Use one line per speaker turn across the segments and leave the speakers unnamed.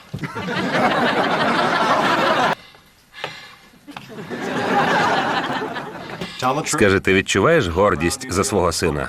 Скажи, ти відчуваєш гордість за свого сина?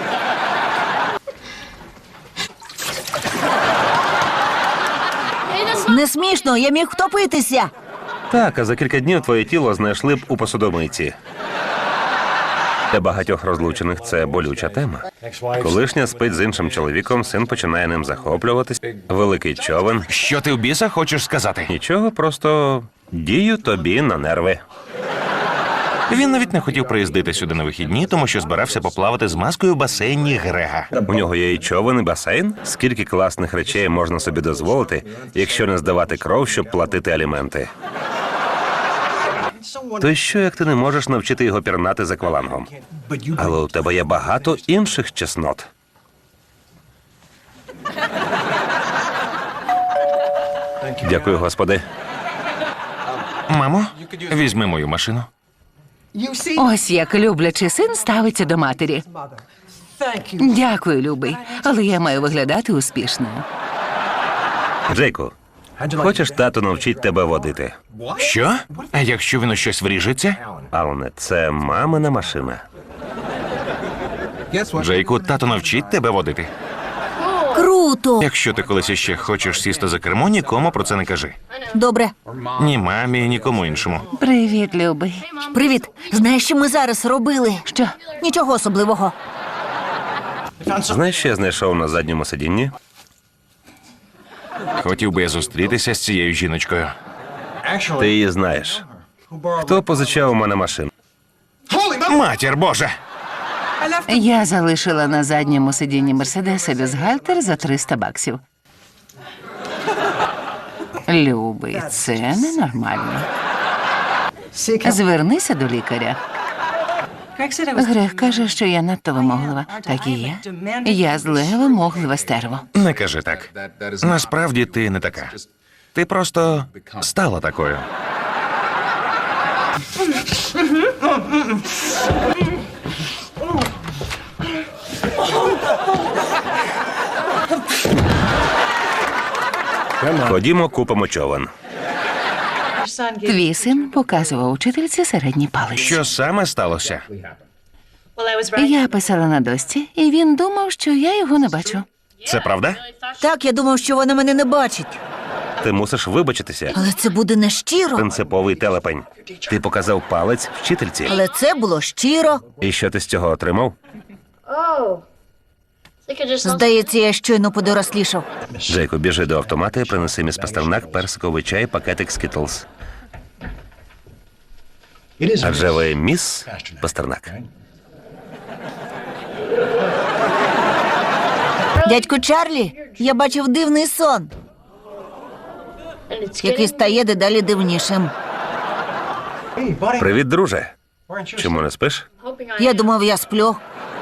Не смішно, я міг втопитися.
Так, а за кілька днів твоє тіло знайшли б у посудомийці. Для багатьох розлучених це болюча тема. Колишня спить з іншим чоловіком, син починає ним захоплюватись. Великий човен.
Що ти в біса хочеш сказати?
Нічого, просто дію тобі на нерви.
Він навіть не хотів приїздити сюди на вихідні, тому що збирався поплавати з маскою в басейні Грега.
У нього є і човен, і басейн. Скільки класних речей можна собі дозволити, якщо не здавати кров, щоб платити аліменти? То й що, як ти не можеш навчити його пірнати з аквалангом? Але у тебе є багато інших чеснот. Дякую, Господи.
Мамо, візьми мою машину.
Ось як люблячий син ставиться до матері. Дякую, любий, але я маю виглядати успішною.
Джейку, хочеш, тато навчить тебе водити?
Що? А якщо він у щось вріжеться?
Алане, це мамина машина.
Джейку, тато навчить тебе водити.
Круто.
Якщо ти колись іще хочеш сісти за кермо, нікому про це не кажи.
Добре.
Ні мамі, нікому іншому.
Привіт, любий.
Привіт. Знаєш, що ми зараз робили?
Що?
Нічого особливого.
Знаєш, що я знайшов на задньому сидінні?
Хотів би я зустрітися з цією жіночкою.
Ти її знаєш. Хто позичав у мене машину?
Матір Божа!
Я залишила на задньому сидінні Мерседеса бюстгальтер за $300. Любий, це ненормально. Звернися до лікаря. Грег каже, що я надто вимоглива. Так і є. Я зле вимогливе стерво.
Не кажи так. Насправді ти не така. Ти просто стала такою.
Ходімо, купимо човен.
Твій син показував учительці середній палець.
Що саме сталося?
Я писала на дошці, і він думав, що я його не бачу.
Це правда?
Так, я думав, що вона мене не бачить.
Ти мусиш вибачитися.
Але це буде не щиро.
Принциповий телепень. Ти показав палець вчительці.
Але це було щиро.
І що ти з цього отримав?
Здається, я щойно подорослішав.
Джейку, біжи до автомата і принеси міс Пастернак, персиковий чай, пакетик Скітлз. Адже ви міс Пастернак.
Дядьку Чарлі, я бачив дивний сон, який стає дедалі дивнішим.
Привіт, друже. Чому не спиш?
Я думав, я сплю.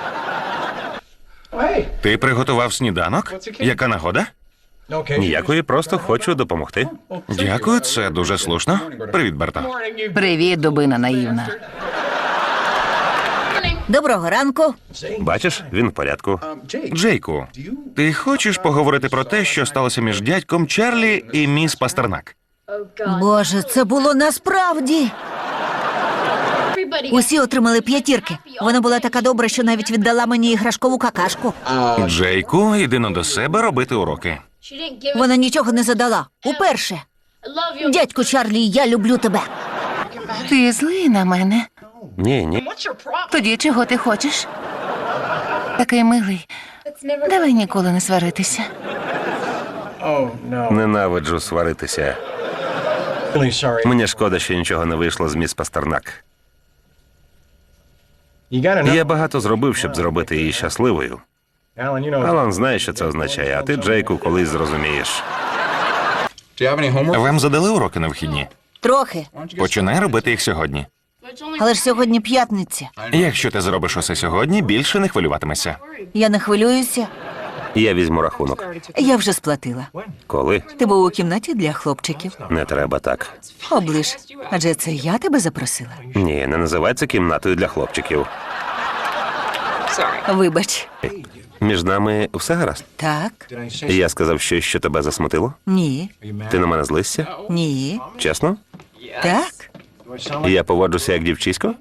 Ти приготував сніданок? Яка нагода?
Ніякої, просто хочу допомогти.
Дякую, це дуже слушно. Привіт, Берта.
Привіт, дубина наївна.
Доброго ранку.
Бачиш, він в порядку.
Джейку, ти хочеш поговорити про те, що сталося між дядьком Чарлі і міс Пастернак?
Боже, це було насправді. Усі отримали 5. Вона була така добра, що навіть віддала мені іграшкову какашку.
Джейку, іди но до себе робити уроки.
Вона нічого не задала. Уперше. Дядьку Чарлі, я люблю тебе.
Ти злий на мене.
Ні.
Тоді чого ти хочеш? Такий милий. Давай ніколи не сваритися.
Ненавиджу сваритися. Мені шкода, що нічого не вийшло з міс Пастернак. Я багато зробив, щоб зробити її щасливою. Алан знає, що це означає, а ти, Джейку, колись зрозумієш.
Вам задали уроки на вихідні?
Трохи.
Починай робити їх сьогодні.
Але ж сьогодні п'ятниця.
Якщо ти зробиш усе сьогодні, більше не хвилюватимешся.
Я не хвилююся.
Я візьму рахунок.
Я вже сплатила.
Коли?
Ти був у кімнаті для хлопчиків.
Не треба так.
Оближ. Адже це я тебе запросила.
Ні, не називай це кімнатою для хлопчиків.
Вибач.
Між нами все гаразд.
Так,
Я сказав щось, що тебе засмутило?
ні,
Ти на мене злишся?
ні,
Чесно?
так.
Я поводжуся як дівчисько?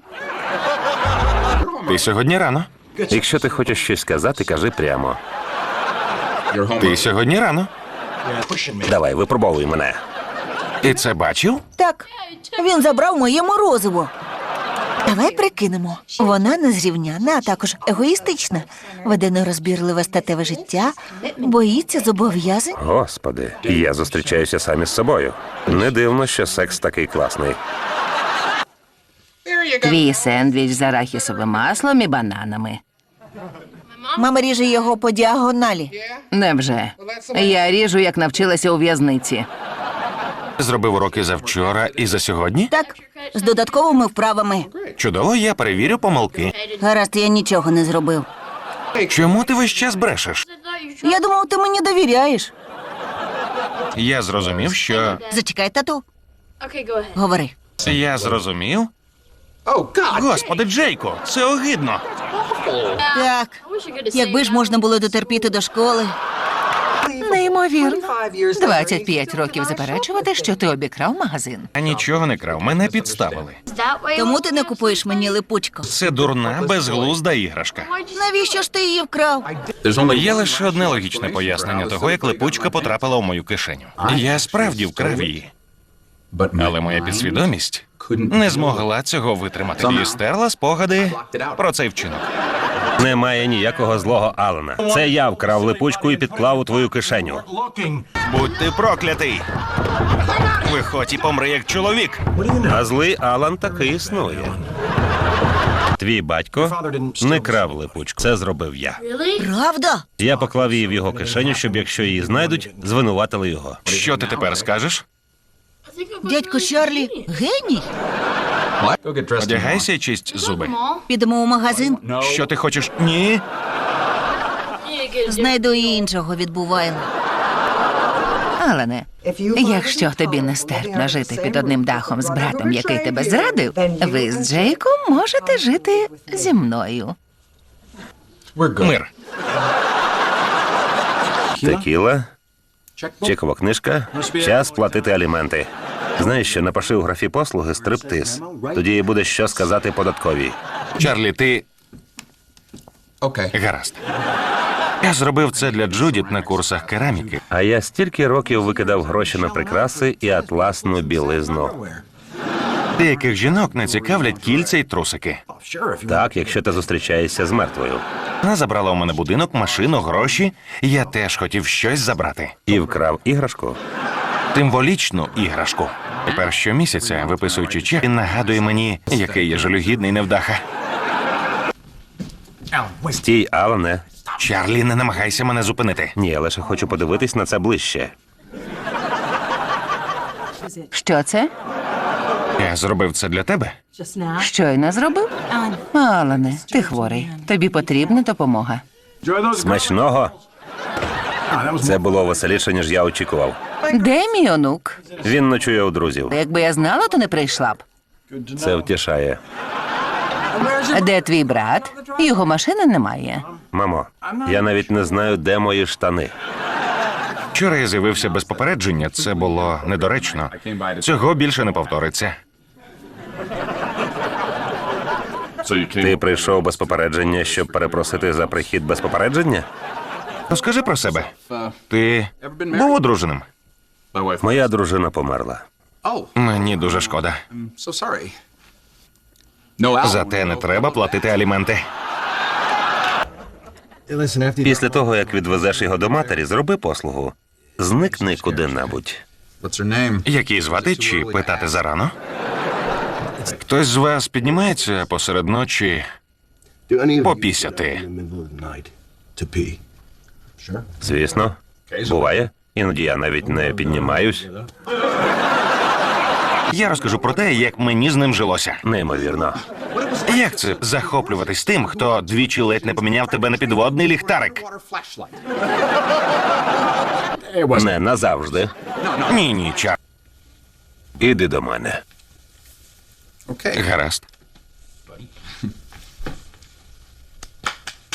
Ти сьогодні рано.
Якщо ти хочеш щось сказати, кажи прямо.
Ти сьогодні рано.
Давай, випробовуй мене.
Ти це бачив?
Так, він забрав моє морозиво. Давай прикинемо. Вона незрівняна, а також егоїстична, веде нерозбірливе статеве життя, боїться зобов'язань.
Господи, я зустрічаюся сам із собою. Не дивно, що секс такий класний.
Твій сендвіч з арахісовим маслом і бананами.
Мама ріже його по діагоналі.
Невже? Я ріжу, як навчилася у в'язниці.
Зробив уроки за вчора і за сьогодні?
Так, з додатковими вправами.
Чудово, я перевірю помилки.
Гаразд, я нічого не зробив.
Чому ти весь час брешеш?
Я думав, ти мені довіряєш.
Я зрозумів, що...
Зачекай, тату. Говори.
Я зрозумів? Господи, Джейко, це огидно.
Так, якби ж можна було дотерпіти до школи.
Неймовірно. 25 років заперечувати, що ти обікрав магазин.
Я нічого не крав, мене підставили.
Тому ти не купуєш мені липучку.
Це дурна, безглузда іграшка.
Навіщо ж ти її вкрав?
Є лише одне логічне пояснення того, як липучка потрапила у мою кишеню. Я справді вкрав її, але моя підсвідомість не змогла цього витримати і стерла спогади про цей вчинок.
Немає ніякого злого Алана. Це я вкрав липучку і підклав у твою кишеню.
Будь ти проклятий! Виходь і помри як чоловік.
А злий Алан таки існує. Твій батько не крав липучку. Це зробив я.
Правда?
Я поклав її в його кишеню, щоб якщо її знайдуть, звинуватили його.
Що ти тепер скажеш?
Дядько Чарлі геній.
Одягайся і чисть зуби.
Підемо у магазин,
Що ти хочеш? Ні.
знайду і іншого відбуваємо.
Алене, якщо тобі нестерпно жити під одним дахом з братом, який тебе зрадив, ви з Джейком можете жити зі мною.
Мир.
Текіла, чекова книжка, час платити аліменти. Знаєш що, напиши у графі послуги стриптиз. Тоді і буде що сказати податковій.
Чарлі, ти... Гаразд. Я зробив це для Джудіт на курсах кераміки.
А я стільки років викидав гроші на прикраси і атласну білизну.
Деяких жінок не цікавлять кільця й трусики.
Так, якщо ти зустрічаєшся з мертвою.
Вона забрала у мене будинок, машину, гроші. Я теж хотів щось забрати.
І вкрав іграшку.
Символічну іграшку. Тепер щомісяця, виписуючи чек, він нагадує мені, який я жалюгідний невдаха.
Стій, Алане.
Чарлі, не намагайся мене зупинити.
Ні, я лише хочу подивитись на це ближче.
Що це?
Я зробив це для тебе.
Щойно зробив? Алене, ти хворий. Тобі потрібна допомога.
Смачного. Це було веселіше, ніж я очікував.
Де мій онук?
Він ночує у друзів.
Якби я знала, то не прийшла б.
Це втішає.
Де твій брат? Його машини немає.
Мамо, я навіть не знаю, де мої штани.
Вчора я з'явився без попередження, це було недоречно. Цього більше не повториться.
Ти прийшов без попередження, щоб перепросити за прихід без попередження?
Розкажи про себе. Ти був одруженим?
Моя дружина померла.
Мені дуже шкода. Зате не треба платити аліменти.
Після того, як відвезеш його до матері, зроби послугу. Зникни куди-небудь.
Як її звати чи питати зарано? Хтось з вас піднімається посеред ночі попісяти?
Звісно. Буває. Іноді я навіть не піднімаюсь.
Я розкажу про те, як мені з ним жилося.
Неймовірно.
Як це захоплюватись тим, хто двічі ледь не поміняв тебе на підводний ліхтарик?
Не назавжди.
Ні, Чар.
Іди до мене.
Гаразд.